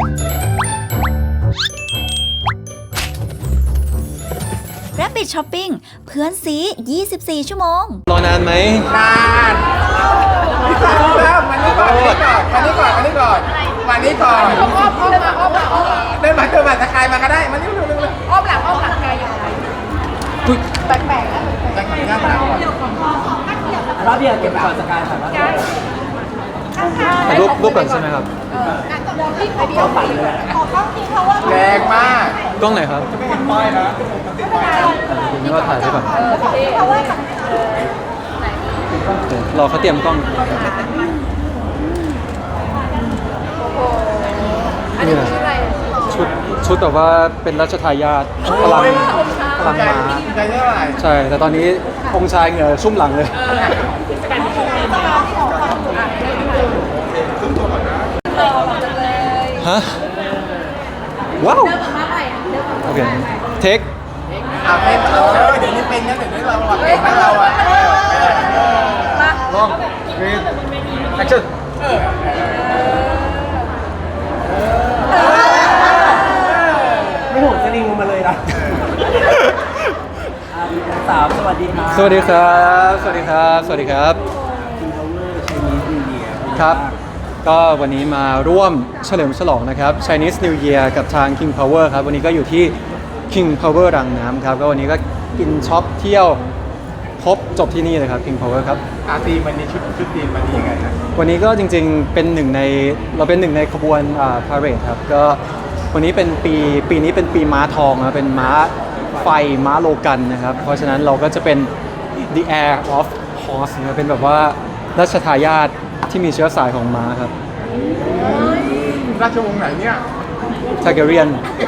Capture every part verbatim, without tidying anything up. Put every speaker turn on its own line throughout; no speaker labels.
Rabbit Shopping เพื่อนซียี่สิบสี่ ชั่วโมง
รอนานไหม
นานเริ่มมานี่ก่อนมานี่ก่อนมานี่ก่อนมานี่ก่อนมานี่ก่อนอ้อมอ้อมมาอ้อมมาอ้อมเดินมาเดินมาสกายมาก็ได้มานี่เร็วเร็วอ้อมหลังอ้อมหลังกายอยู่ไหนแปลกแปลกนะแปลกแปลกนะ
รับเบียร์เก็บก่อนสกายค่ะรับเบียร์
ถ่ายรูปรูปก่อนใช่ไหมครับ
แรงมาก
กล้องไหนครับจะไม่เห็นป้ายนะผมนึกว่าถ่ายไปก่อนรอเขาเตรียมกล้องนี่นะชุดชุดแบบว่าเป็นรัชทายาทพลังพลังม้าใช่แต่ตอนนี้องค์ชายเหงื่อชุ่มหลังเลยฮะว้าวโอเคเทค
อ่ะเป็นเออเดี๋ยวนี้เป็นนะเดี๋ยวนี้เราเก่งนะเราอ่ะ
ลองรีดแอคชั่น
ไม่โหดสลิงลงมาเลยนะสามสวัสดีครับ
สวัสดีครับสวัสดีครับสวัสดีครับครับก็วันนี้มาร่วมเฉลิมฉลองนะครับ Chinese New Year กับทาง King Power ครับวันนี้ก็อยู่ที่ King Power รังน้ำครับก็วันนี้ก็กินช็อปเที่ยวครบจบที่นี่เลยครับ King Power ครับ
อาตีมันนี้ชุดชุดตีมันนี้ยังไงนะ
วันนี้ก็จริงๆเป็นหนึ่งในเราเป็นหนึ่งในขบวนอ่า parade ครับก็วันนี้เป็นปีปีนี้เป็นปีม้าทองนะเป็นม้าไฟม้าโลกันนะครับเพราะฉะนั้นเราก็จะเป็น the heir of horse นะเป็นแบบว่ารัชทายาทที่มีเชื้อสายของม้าครับ
ราชวงศ์ไหนเนี่ย
ทาเกเรียน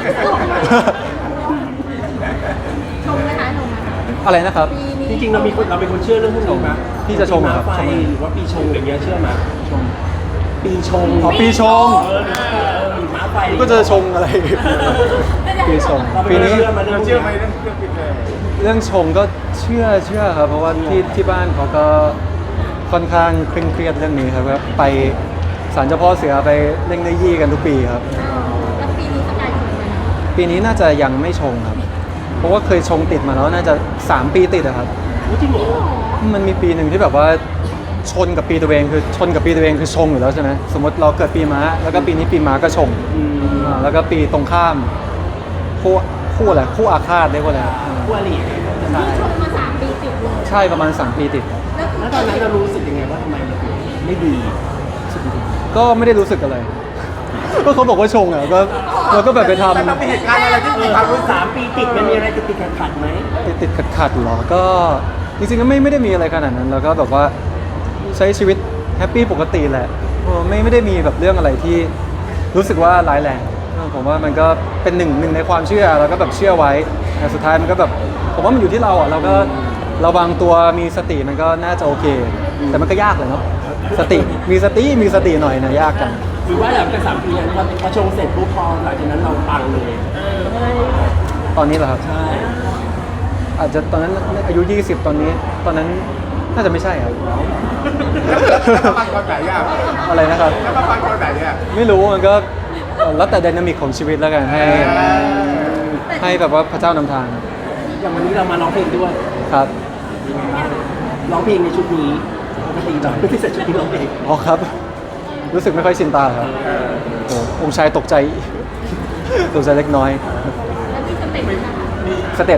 ชมนะคะชม
อะไรนะครับ
จริงๆเรามีคนเราเป็นคนเชื่อเรื่องพวกนี้ไหม
พี่จะชงครับ
ไฟหรือว่าปีชงอย่างเงี้ยเชื่อไหม
ชง
ปีชง
อ๋อปีชง
ม้าไฟ
ก็จะชงอะไรปีชงปีนี้
เชื่อไหมเรื่องเชื่อไหมเรื่องเรื่องปี
เรื่องชงก็เชื่อเชื่อครับเพราะว่าที่ที่บ้านเขาก็ค่อนข้างเคร่งเครียดเรื่องนี้ครับไปศาลเจ้าพ่อเสือไปเล่งเนื้อยี่กันทุกปีครับ
แล้วปีนี้สกายชงไหม
ปีนี้น่าจะยังไม่ชงครับเพราะว่าเคยชงติดมาแล้วน่าจะสามปีติดอะครับ
จริงเหรอ
มันมีปีหนึ่งที่แบบว่าชนกับปีตัวเองคือชนกับปีตัวเองคือชงอยู่แล้วใช่ไหมสมมติเราเกิดปีม้าแล้วก็ปีนี้ปีม้าก็ชงแล้วก็ปีตรงข้ามคู่คู่อะไรคู่อาฆาตได้ว่าอะไร
คู่อริ
ชงมาสามปีติดเลย
ใช่ประมาณสามปีติด
แล้วตอนนั้นเรารู้สึกยังไงว่าทำไมมันไม่ดี
ก็ไม่ได้รู้สึกอะไรก็เขาบอกว่าชงอ่ะก็เราก็แบบไปทำ
มันต้องมีเหตุการณ์อะไรที่มีความรู้
สามปีติดมันมีอะไรติดติดขัดขัดไหม
ติดติดขัดขัดหรอก็จริงๆก็ไม่ไม่ได้มีอะไรขนาดนั้นแล้วก็แบบว่าใช้ชีวิตแฮปปี้ปกติแหละไม่ไม่ได้มีแบบเรื่องอะไรที่รู้สึกว่าร้ายแรงผมว่ามันก็เป็นหนึ่งหนึ่งในความเชื่อแล้วก็แบบเชื่อไว้แต่สุดท้ายมันก็แบบผมว่ามันอยู่ที่เราอ่ะเราก็เราบางตัวมีสติมันก็น่าจะโอเคแต่มันก็ยากเลยเนาะสติมีสติมีสติหน่อยนะยากจัง
หรือว่าหลังจากสามปีนั้นพอชงเสร็จปุ๊บพอหลังจากนั้นเราปังเลย
ตอนนี้เหรอครับ
ใช่
อาจจะตอนนั้นอายุยี่สิบตอนนี้ตอนนั้นน่าจะไม่ใช่ครับ
แล้วปังตอนไหนอ่ะ
อะไรนะครับ
แล้วปังตอนไหนอ่ะ
ไม่รู้มันก็แล้วแต่ไดนามิกของชีวิตแล้วกันให้ให้แบบว่าพระเจ้านำทาง
อย่างวันนี้เรามาร้องเพลงด้วย
ครับ
ร้องเพลงในชุดนี้ปกติเราไม่ได้ใส่ชุดนี้ร้องเพลง
อ๋อครับรู้สึกไม่ค่อยชินตาครับโอ้องค์ชายตกใจตกใจเล็กน้อย
แล้วมีสเต็ปไหมคะ
สเต็ป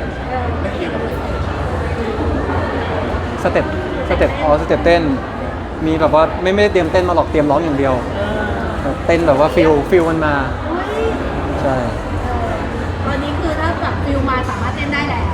สเต็ปสเต็ปอ๋อสเต็ปเต้นมีแบบว่าไม่ไม่ได้เตรียมเต้นมาหรอกเตรียมร้องอย่างเดียวเต้นแบบว่าฟิลฟิลมันมาใช่
ตอนนี้คือถ้าแบบฟิลมาสามารถเต้นได้แล้ว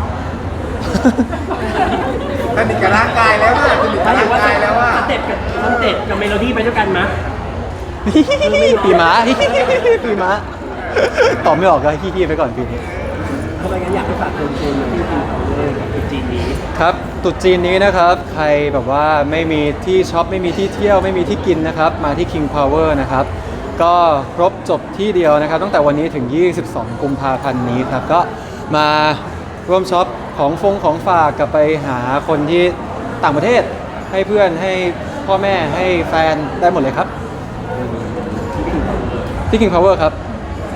สนิทกับร่างกายแล้วว่าสนิทกับร่างกายแล้วว่า
สเต็ปกับสเต็ปกับเมโลดี้ไปด้วยกันมั้ย
ปีม้าปีม้าตอบไม่ออกก็ฮี้ๆไปก่อนปีนี้
ทำไมงั้นอยากให้ฝากเชิญชวนมาที่กินเขาเลยกับตุ๊จีนนี้
ครับตุ๊จีนนี้นะครับใครแบบว่าไม่มีที่ช็อปไม่มีที่เที่ยวไม่มีที่กินนะครับมาที่ King Power นะครับก็ครบจบที่เดียวนะครับตั้งแต่วันนี้ถึงยี่สิบสองกุมภาพันธ์นี้ครับก็มาร่วมช็อปของฟงของฝากกลับไปหาคนที่ต่างประเทศให้เพื่อนให้พ่อแม่ให้แฟนได้หมดเลยครับที่ King Power ครับ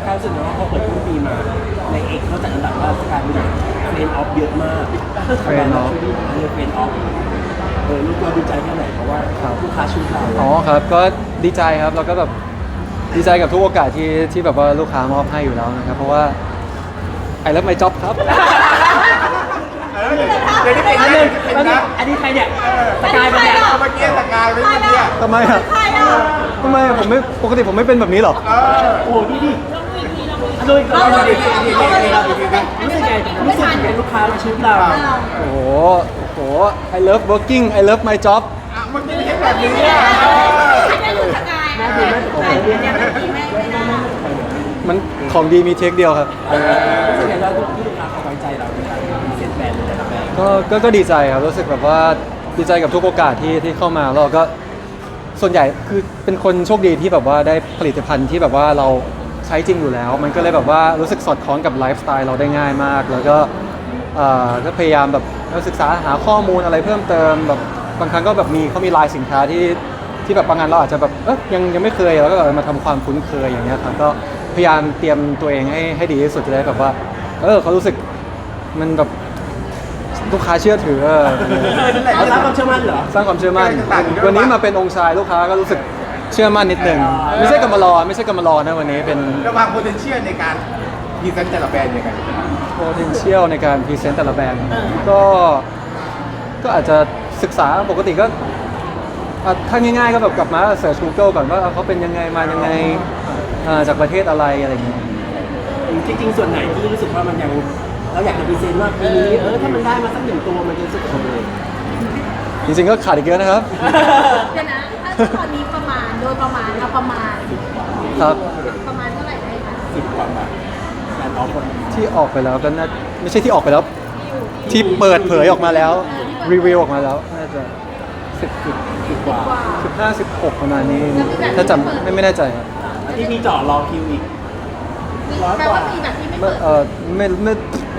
กายรู้สึกว่าพอเปิดต้นปีมาในเอกเขาจัดอันดับว่าสกายเป็นเฟรนออฟเยอะมากเฟรนออฟเฟรนออฟเออลูกเราดีใจแค่ไหนเพราะว่าลูกค้าชุดเรา
อ๋อครับก็ดีใจครับแล้วก็แบบดีใจกับทุกโอกาสที่ที่แบบว่าลูกค้ามอบให้อยู่แล้วนะครับเพราะว่าไอ้เลิฟไมจ็อบครับ
เออเดี๋ยวนี้เป็น
อัน
เรื่
นี้
องเป็นนะ
อันนี้ใครเนี่ยสกายเป็นเนี่ย
เมื่อกี้สกายไม่เมื่อกี้
ทำไมอ่ะ
ใครอ่ะ
ทำไมอะผมไม่ปกติผมไม่เป็นแบบนี้หรอ
เออ
โอ้โหนี่ดิดูอีกเราดูดิรู้สึกไงรู้สึกไงลูกค้ามาชุดเรา
โอ้โหโอ้โห I love working I love my job
อ่ะเมื่อกี้ไม่ใช่แบบนี้อ่ะเออ
ไม่ถูกสกายแม่แม่แม่แม่ไม่ได้
มันของดีมีเทคเดียวครับ
รู้สึกไงเราที่ลูกค้าเขาไว้ใจเราในการพรีเซนต์แบรนด์แต่ละแบรนด์
ก็ก็ก็ดีใจครับรู้สึกแบบว่าดีใจกับทุกโอกาสที่ที่เข้ามาแล้วเราก็ส่วนใหญ่คือเป็นคนโชคดีที่แบบว่าได้ผลิตภัณฑ์ที่แบบว่าเราใช้จริงอยู่แล้ว มันก็เลยแบบว่ารู้สึกสอดคล้องกับไลฟ์สไตล์เราได้ง่ายมาก แล้วก็เอ่อก็พยายามแบบศึกษาหาข้อมูลอะไรเพิ่มเติมแบบบางครั้งก็แบบมีเขามีลายสินค้าที่ที่แบบบางงานเราอาจจะแบบเอ๊ยยังยังไม่เคยแล้วก็แบบมาทำความคุ้นเคยอย่างเงี้ยครับก็พยายามเตรียมตัวเองให้ให้ดีที่สุดจะได้แบบว่าเออเขารู้สึกมันแบบลูกค้าเชื่อถือเออ
เราสร้างความเชื่อมั่นเหรอ
สร้างความเชื่อมั่นวันนี้มาเป็นองค์ชายลูกค้าก็รู้สึกเชื่อมั่นนิดนึงไม่ใช่กำมารอไม่ใช่กำมารอนะวันนี้เป็น
ระวาง potential ในการพรีเซนต์แต่ละแบรนด์ยังไง
potential ในการพรีเซนต์แต่ละแบรนด์ก็ก็อาจจะศึกษาปกติก็อ่ะถ้าง่ายๆก็แบบกลับมาเสิร์ช Google ก่อนว่าเขาเป็นยังไงมายังไงอ่าจากประเทศอะไรอะไรอย่างเงี้ย
จริงๆส่วนไหนที่รู้สึกว่ามันยังเราอยากจะพรีเซนต์ว่าปีนี้เออถ้ามันได้มาสักหนึ่งตัวมันจะรู้สึกโอเค
จริงๆก็ขาดอีกเยอะนะครับ
เดี๋ยวนะถ้าตอนนี้ประมาณโดยประมาณเอาประมาณ
ครับ
ประมาณเท่าไหร่ได้คะ
สิบกว่าบาทแบรนด์ออฟคน
ที่ออกไปแล้วก็น่าไม่ใช่ที่ออกไปแล้ว ที่เปิดเผยออกมาแล้วรีวิวออกมาแล้วน่าจะสิบสิบ
สิบกว่า
สิบห้าสิบหกประมาณนี้ถ้าจำไม่ไม่แน่ใจครับ
แล้วที่มีเจาะรอคิวอีก ร้อย
แปล
กว่า
ว่ามีแบบที่ไม่
ไม่
เปิด
เออไม่ไม่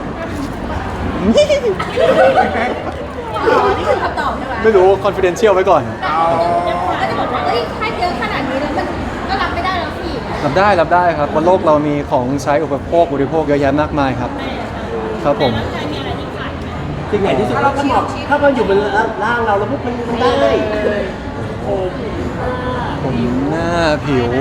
อ๋อนี่คือคำตอบใช่ไหม
ไม่รู้ confidential ไว้ก่อน
ก็จะบอกว่าเอ้ยให้เยอะขนาดนี้แล้วมันก็รับไม่ได้แล้วสิ
รับได้รับได้ครับบนโลกเรามีของใช้อุปโภคบริโภคเยอะแยะมากมายครับ ครับผม
สิ่งไหนที่สุดถ้าเหมาะถ้ามันอยู่บนร่างเราแล้วพวกมันมันได้โอ้
ผมหน้าผิว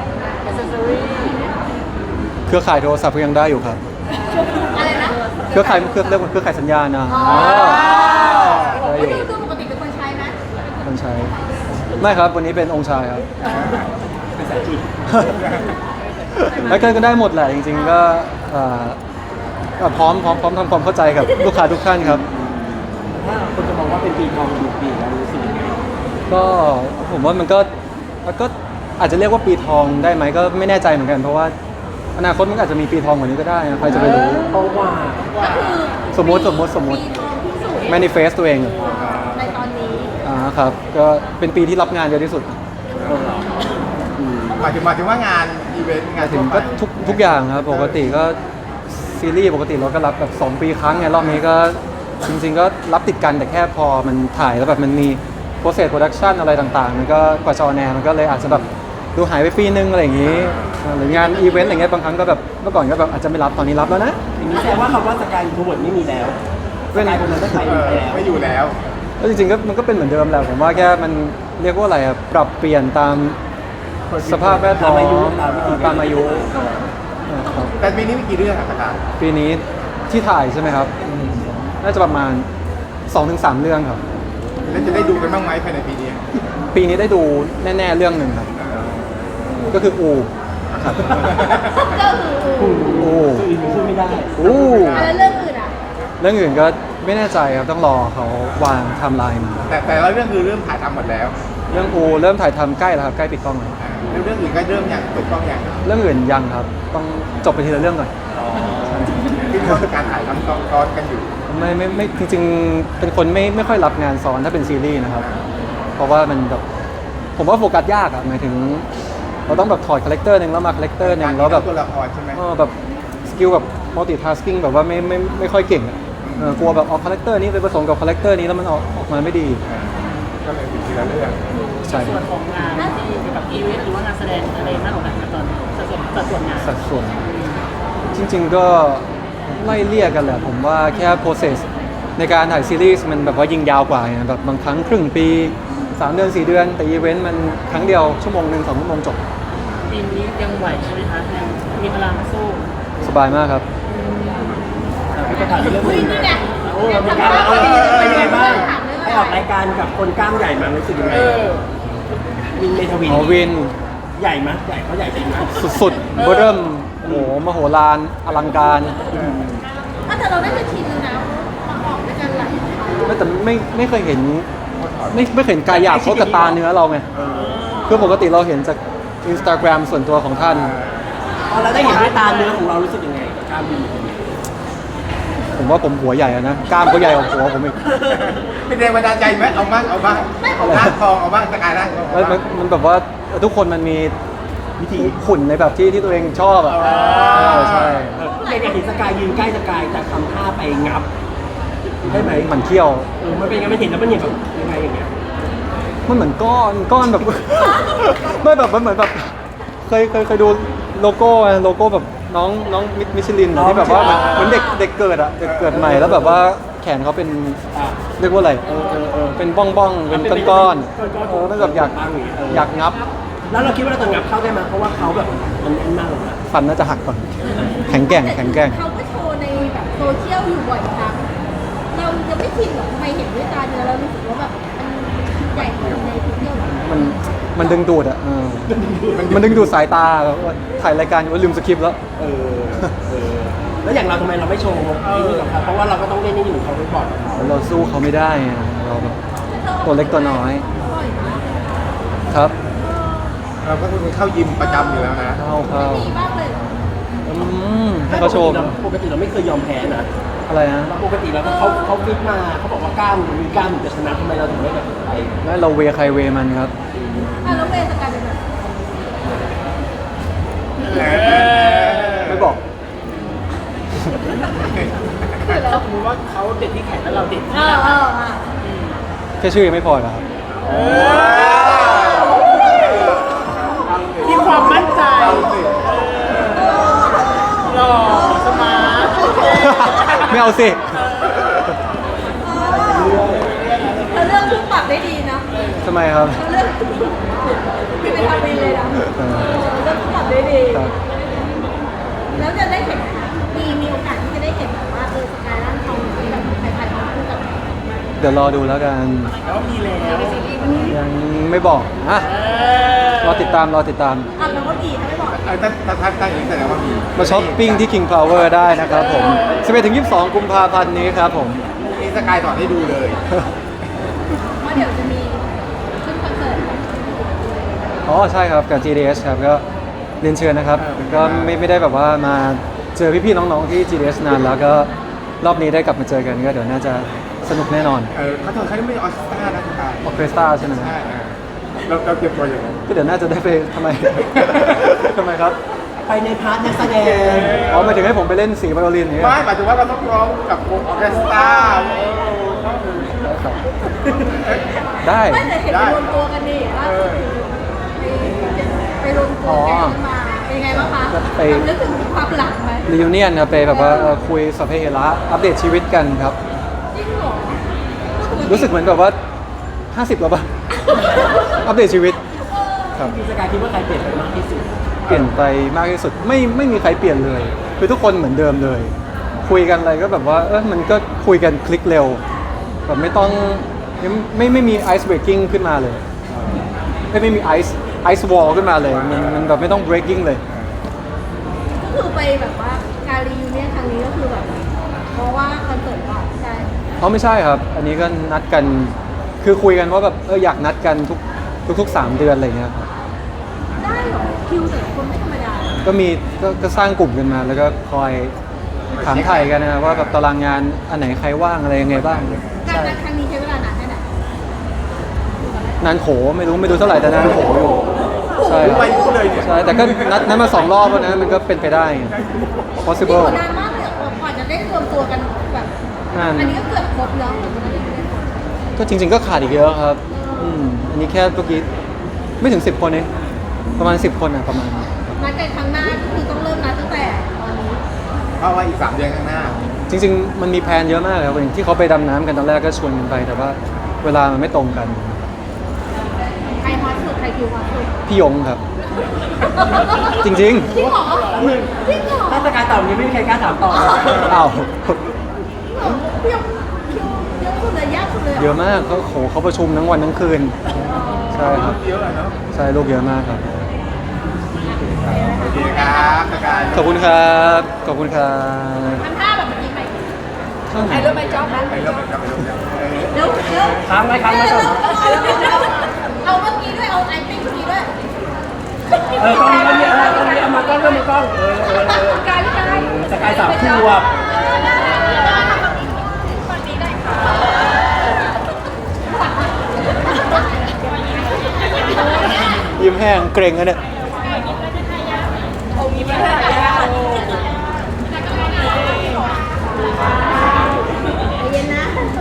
เครือข่ายโทรศัพท์ก็ยังได้อยู่ครับ
อะไรนะ
เครือข่ายเครือเรียกว่าเครือข่ายสัญญาณนะ
อ๋อ
ได้อ
ไม่
ยู่
ดูดูปกติเป็นคนใช้ไหม
คนใช้ ไม่ครับวันนี้เป็นองค์ชายครับ
เป็นสายจีน
แล้วก็ได้หมดแหละจริงๆก็เอ่อก็พร้อมพร้อมพร้อมทำความเข้าใจกับลูกค้าทุกท่านครับ
ถ้าคนจะมองว่าเป็นปีทองอยู่ปีเรารู้สึกยังไง
ก็ผมว่ามันก็ก็อาจจะเรียกว่าปีทองได้ไหมก็ไม่แน่ใจเหมือนกัน เพราะว่าอนาคตมันอาจจะมีปีทองกว่านี้ก็ได้นะใครจะไปรู้
ทองกว่า
ก็คือ
สมมุติสมมุติสมมุติ
ปีทองที่สุด
manifest ตัวเอง
ในตอนนี้
อ่าครับก็เป็นปีที่รับงานเยอะที่สุด
หมายถึงหมายถึงว่างานอีเวนต์งาน
ถึ
ทั่
ง
วไป
ก็ทุกทุกอย่างครับปกติก็ซีรีส์ปกติเราก็รับแบบสองปีครั้งไงรอบนี้ก็จริงๆก็รับติดกันแต่แค่พอมันถ่ายแล้วแบบมันมี process production อะไรต่างๆ มันก็กว่าจะออนแอร์มันก็เลยอาจจะแบบดูหายไปปีนึงอะไรอย่างนี้หรืองานอีเวนต์อะไรเงี้ยบางครั้งก็แบบเมื่อก่อนก็แบบอาจจะไม่รับตอนนี้รับแล้วนะ
อย่างนี้แสดงว่าคำว่าสกายทูเวิร์ดไม่มีแล้วสกายคนนั้นไม่ไป
เออ
แล้ว
ไม่อยู่แล้ว
แล้วจริงๆก็มันก็เป็นเหมือนเดิมแหละผมว่าแค่มันเรียกว่าอะไรอะปรับเปลี่ยนตามสภาพแวดล้อม
ตามอายุตามวิธี
ตามอายุครับ
แต่ปีนี้มีกี่เรื่องอะสกาย
ปีนี้ที่ถ่ายใช่ไหมครับน่าจะประมาณ สองถึงสาม เรื่องครับ
แล้วจะได้ดูกันบ้างไหมภายในปีนี้
ปีนี้ได้ดูแน่ๆเรื่องหนึ่งครับ ก็คืออูครับ
ก็คือ
อู
คืออีกพูดไม่ได้
อู
อะไรเรื่องอื่นอ่ะ
เรื่องอื่นก็ไม่แน่ใจครับต้องรอเขาวางไทม์ไลน์มา
แต่แต่ละเรื่องคือเริ่มถ่ายทำหมดแล้ว
เรื่องอูเริ่มถ่ายทำใกล้แล้วครับใกล้ปิดกล้องแล้ว
แล้วเรื่องอื่นก็เริ่มอย่างเปิดกล้องอย่าง
เรื่องอื่นยังครับ ต้องจบไปทีละเรื่องก่อน
คือว่าการถ่ายทำซ้อนกันอยู่
ไม่ไม่ไม่จริงๆเป็นคนไม่ไม่ค่อยรับงานซ้อนถ้าเป็นซีรีส์นะครับ เพราะว่ามันแบบผมว่าโฟกัสยากอะหมายถึง เราต้องแบบถอดคาแรคเตอร์หนึ่งแล้วมาคาแรคเตอร์หนึ่งแล้วแบบ
ตัวละครใช่ไหม
เออแบบสกิลแบบมัลติทาสกิ้งแบบว่าไม่ไม่ไม่ค่อยเก่งอะเออกลัวแบบเอาคาแรคเตอร์นี้ไปผสมกับคาแรคเตอร์นี้แล้วมันออกออกมาไม่ดี
แก็เลยมีทีละเรื่อง
ใช่
ส่วนของงานที่เกี่ยวกับอีเวนต์หรือว่างานแสดงอะไรมากกว่ากันนะตอนสัดส่วนสัดส่วนงาน
สัดส่วนจริง ๆก็ไล่เลี่ยกันแหละผมว่าแค่ process ในการถ่ายซีรีส์มันแบบว่ายิงยาวกว่าไงแบบบางครั้งครึ่งปีสามเดือนสี่เดือนแต่อีเวนต์มันครั้งเดียวชั่วโมงหนึ่งสองชั่วโมงจบ
ปีนี้ยังไหวใช่ไหมคะยังมีพลังสู้
สบายมากครับ
แต่พี่ประธานเรื่อง
เฮ้ย
นึง
นี่ไง
โอ้มีการเออเป็นยังไงบ้างไปออกรายการกับคนกล้ามใหญ่มารู้สึกยังไงวินเมทวิน
อ๋อวิน
ใหญ่ไหมใหญ่เขาใหญ่จริงไหม
สุดๆเบอร์เริ่มโอ้โหมโหฬารอลังการ
ถ้าแต่เราได้จะชินแล้วนะมาออกด้วยกันหลายครั้ง
ไม่แต่ไม่ไม่เคยเห็นไม่ไม่เคยเห็นกายหยาบเขากับตาเนื้อเราไงคือปกติเราเห็นจาก Instagram ส่วนตัวของท่าน
พอเราได้เห็นด้วยตาเนื้อของเรารู้สึกยังไงกับกล้ามวิน
ผมว่าผมหัวใหญ่อะนะกล้ามเขาใหญ่กว่าหัวผมอีก
เป็นแรงบันดาลใจไหมเอาบ้างเอาบ้างร่างทองเอาบ้างสกายร่างทอง
มันมันมันแบบว่าทุกคนมันมีวิธีขุนในแบบที่ที่ตัวเองชอบอ่ะเออใช่
อยากเห็นสกายยืนใกล้สกายแต่ทำท่าไปงับใช่ไหม
มันเขี้ยว
เออมันเป็นยังไงไม่เห็นแล้วมันเห็นแบบยังไงอย่างเงี้ย
มันเหมือนก้อนก้อนแบบ ไม่แบบมันเหมือนแบบเคยเคยเคยดูโลโก้อะโลโก้แบบน้องน้องมิชลินอะที่แบบว่าเหมือนเหมือนเด็กเด็กเกิดอะเด็กเกิดใหม่แล้วแบบว่าแขนเขาเป็น
อ่ะ
เรียกว่าอะไร
เออเออเออ
เป็นบ้องบ้องๆเป็นก้อนๆเออแล้วแบบอยากอยากงับ
แล้วเราคิดว่าเราจะงับเข้าได้ไหมเพราะว่าเขาแบบมันแน่นมากเลยนะ
ฟันน่าจะหักก่อน แข็งแกร่งแข็งแกร่ง
เขาก็โชว์ในแบบโซเชียลอยู่บ่อยครั้งเราจะไม่ชินหรอกทำไมเห็นด้วยตาเนื้อเรารู้สึกว่าแบบมันใหญ่กว่าในโซเชียล
มันมันดึงดูดอะเออมันดึงดูดสายตาแบบว่าถ่ายรายการอยู่ว่าลืมสคริปต์แล้ว
เออเออแล้วอย่างเราทำไมเราไม่โชว์ที่นี่กับเขาเพราะว่าเราก็ต้องเล่นนี่อยู่เขาไปบอร์ดกับเขา
เราสู้เขาไม่ได้ไงเราแบบตัวเล็กตัวน้อย
บ่อยมาก
ครับ
เราก็คือเข้ายิมประจำอยู่แล้วนะ
เข้าเข้า
มีบ้างเลยเหรอ
อืมให้เขาโชว์
ปกติเราไม่เคยยอมแพ้นะ
อะไรนะ
ปกติแล้วเขาเขาฟิตมาเขาบอกว่ากล้ามมีกล้ามถึงจะชนะทำไมเราถึงไม่แบบไป
แล้วเราเวใครเวมันครับ
อ่ะแล้วเวย์สกายเป็นแบบ
ไม่บอก
ถ้าสมมติว่าเขาเด็ดที่แขนแล้วเราเด็ด
เอ
ที่
อ
ห
เอ
น้า
ออ่ะ
แค่ชื่อยังไม่พอเหรอครับ
มีความมั่นใจหล่อสมาร์ท
ไม่เอาสิ
เราเลือกคู่ปรับได้ดีนะ
ทำไมครับ
เราเลือกไม่เป็นทำเองเลยนะ
เออ
เลือกคู่ปรับได้ดี
ครับ
แล้วจะได้เห็นมีมีโอกาสที่จะได้เห็นแบบว่าเออสกายร่างทองที่แบบใครๆมาคู่กับ
เดี๋ยวรอดูแล้วกัน
แล้วมีแล้ว
ยังไม่บอกอ่ะรอติดตามรอติดตาม
อ่ะแล้วก็ดีถ้าไม่บอก
เออถ้าถ้าถ้าถ้าอย่างนี้แสดงว่ามี
มาช้อปปิ้งที่ King Power ได้นะครับผม สิบเอ็ดถึงยี่สิบสอง กุมภาพันธ์นี้ครับผม
นี่สกายถอดให้ดูเลย
ว่าเดี๋ยวจะมีขึ้นคอนเสิร์ต
อ๋อใช่ครับกับ จี ดี เอส ครับก็เรียนเชิญนะครับ ก็ไม่ไม่ได้แบบว่ามาเจอพี่ๆน้องๆที่ จี ดี เอส นานแล้วก็รอบนี้ได้กลับมาเจอกันก็เดี๋ยวน่าจะสนุกแน่นอน
เออเขาถอดเขาไม่ใช่ออสตานะสกาย
ออเคสตราใช่ไหม
ใช่เออเราเราเตรียมตัวอย่างไร
ก็เดี๋ยวน่าจะได้ไปทำไม ทำไมครับ
ไปในพาร์ทนักแสดง
อ๋อหมายถึงให้ผมไปเล่นสีไวโอลินอย่างเงี้ย
ไม่หมายถึงว่าเราต้องร้องกับวงออเคสตรา
ได้
ไม่แต่เห็นไปรวมตัวกันนี่ล่าสุดไปไปรวมตัวกันมาเป็นยังไงบ้างคะนึกถึงความหลังไหม
รีวิเนียนครับไปแบบว่าเอ่อคุยสัพเพเหระอัปเดตชีวิตกันครับ
จริงเหรอ
รู้สึกเหมือนแบบว่า ห้าสิบแล้วป่ะ อัปเดตชีวิตครับ
พี่สกายคิดว่าใครเปลี่ยนไปมากที่สุด
เปลี่ยนไปมากที่สุดไม่ไม่มีใครเปลี่ยนเลย คือทุกคนเหมือนเดิมเลย คุยกันอะไรก็แบบว่าเออมันก็คุยกันคลิกเร็วแบบไม่ต้องไม่ไม่ไม่มีไอซ์เบรกกิ้งขึ้นมาเลยไม่ไม่มีไอซ์ไอซ์วอลขึ้นมาเลยมันมันแบบไม่ต้อง breaking เลย
ก็คือไปแบบว่าการรีวิวเนี่ยครั้งนี้ก็คือแบบเพราะว่าคอนเสิร์ตก่อนใช่
เพราะไม่ใช่ครับ อันนี้ก็นัดกัน คือคุยกันว่าแบบเอออยากนัดกันทุกทุกทุกสามเดือนอะไรเงี้ยครับ
ได้เหรอคิวแต่ละคนไม่ธรรมดา
ก็มีก็ก็สร้างกลุ่มกันมา แล้วก็คอยถามไทยกันนะว่าแบบตารางงานอันไหนใครว่างอะไรยังไงบ้าง
การนัดครั้งนี้ใช้เวลานานแค่ไหน
นานโขไม่รู้ไม่รู้เท่าไหร่แต่นานโขอยู่ใช่ครับ
ไปรู้เลยเนี่ย
ใช่แต่ก็นัดนัดมาสองรอบแล้วนะมันก็เป็นไปได้ไง
นี่
possible
นานมากเลยกว่าจะได้รวมตัวกันแบบ
นั่น
อันนี้ก็เกือบครบแล้ว
ก็จริง ๆ ก็ขาดอีกเยอะครับ
เ
อืมอันนี้แค่เมื่อกี้ไม่ถึงสิบคนเองประมาณสิบคนอ่ะประมาณ
นัดกันครั้งหน้าก็คือต้องเริ่มนัดตั้งแต่ตอนนี้
เพราะว่าอีกสามเดือนข้างหน้า
จริงๆ มันมีแพลนเยอะมากเลยครับอย่างที่เขาไปดำน้ำกันตอนแรกก็ชวนกันไป แต่ว่าเวลามันไม่ตรงกัน
ใครฮอตสุดใครคิวฮอตสุด
พี่ยงครับ จริง
จริงเหรอจริงเหรอ
ถ้าสกายตอบนี้ไม่มีใครกล้าถามต่อ
ๆ อ้าว
พี่ยกคิวเยอะสุดเลยยากสุดเลยหร
เยอะมากเขาโหเขาประชุมทั้งวันทั้งคืน ใช่ครับ
เยอะอะเนาะ
ใช่ลูกเยอะมากครับ
โอเคครับสกาย
ขอบคุณครับ ขอบคุณครับ
ทำท่าแบบเมื่อกี้ใหม่
เท่าไหร่
เริ่มไปจ๊อบนะ
ไปเริ่มไปเริ่มไปเริ่มเออ
เร็วเร็ว
ค้างไว้ค้างไว้ก่อน
เอาเมื่อกี้ด้วยเอาไอปิ้งเมื่อกี้ด้วย
เออกล้องนี้กล้องนี้เออกล้องนี้เอามากล้องเริ่มมากล้องเออเออเออ
กายพี่กาย
สกายสามขวบ
ยิ้มแห้งเกรงอะเนี่ย
เย็นนะ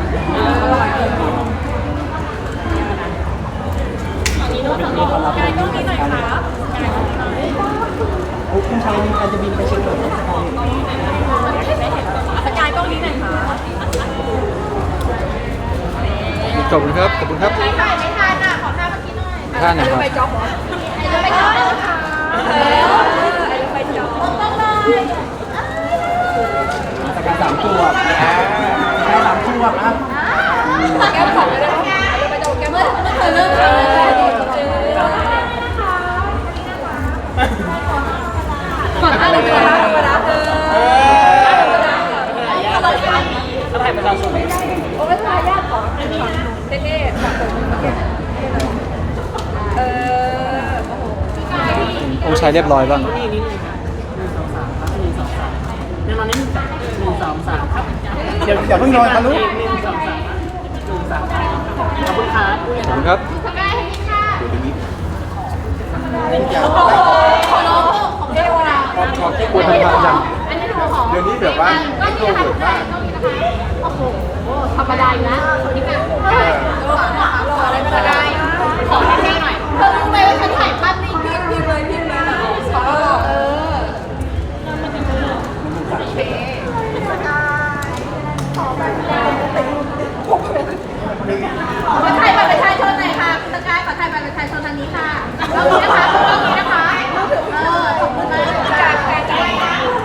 โอ้คุณชายมีการจะบินไปเชียงใหม่สกาย
สกายกล้องนี้หน่อยค่ะ
ขอบคุณครับ ขอบคุณครับ
ไม่ถ่ายไม่ทันอ่ะขอท่าเมื่อกี้หน่อย
ท่านไหนครับ
ไปจ๊อบเหรอไปจ๊อบค่ะไปจ๊อบต้องเลย
สกายสามขวบสกายสามขวบอ่ะ
แก้มของเลยไปจ๊อบแก้มเมื่อเมื่อเธอเริ่มทำก่อนท่าเลยก่อนท่าเลยนะเออ
เออ
อะไรกัน
ถ้าถ่ายประชาชน
โอ้ไม่ทายากของเท่ๆแบบเออ
องค์ชายเรียบร้อยบ้าง
นี่นี่หนึ่งสองสามครับหนึ่งสองสามเดี๋ยวนอนนิดนึงหนึ่งสองสามครับ
เดี๋ยวอย่าเพิ่งนอนทะลุ
หนึ่งสองสามหนึ่งสามขอบคุณครับ
ขอบคุณครับ
สกายให้ค่ะ
เดี๋ยว
ขอร้องของเทวดา
ขอบขอบที่
กลัวทำทางยัง
อันนี้หนูของ
เดี๋ยวนี้แบบว่าไม่โกรธมาก
โอ้โหธรรมดาอยู่นะนี่ค่ะขออะไรก็ได้ขอแค่หน่อยเธอรู้ไหมว่าฉันถ่ายภาพนี่พิมพ์พิมพ์เลยพิมพ์เลยขอเออโอเคขอถ่ายบัตรประชาชนหน่อยค่ะคุณสกายขอถ่ายบัตรประชาชนทางนี้ค่ะแล้วนี้นะคะตรงนี้นะคะเออขอบคุณมากจากแฟนใจนะ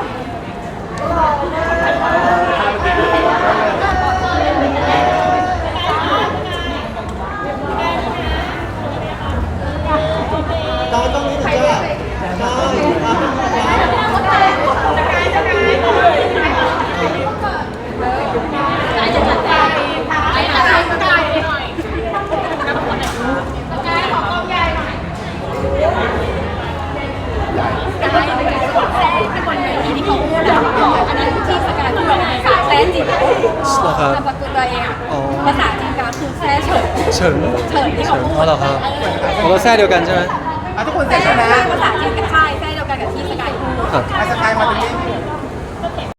เหรอครับ
สกุลตัวเองอ่ะ
อ๋อ
ภาษาจีนก็คือแซ่เฉิน
เฉิง
เฉินที่เขาพูด
อ๋อเหรอครับของเราแท้เดียวกันใช่ไหม
อ่ะทุกคนเสร็
แซ่
จแล้วนะ
ภาษาจีนกับค่ายแซ่เดียวกันกับที่สกายพูด
ครับ
อ่ะสกายมาตรงนี้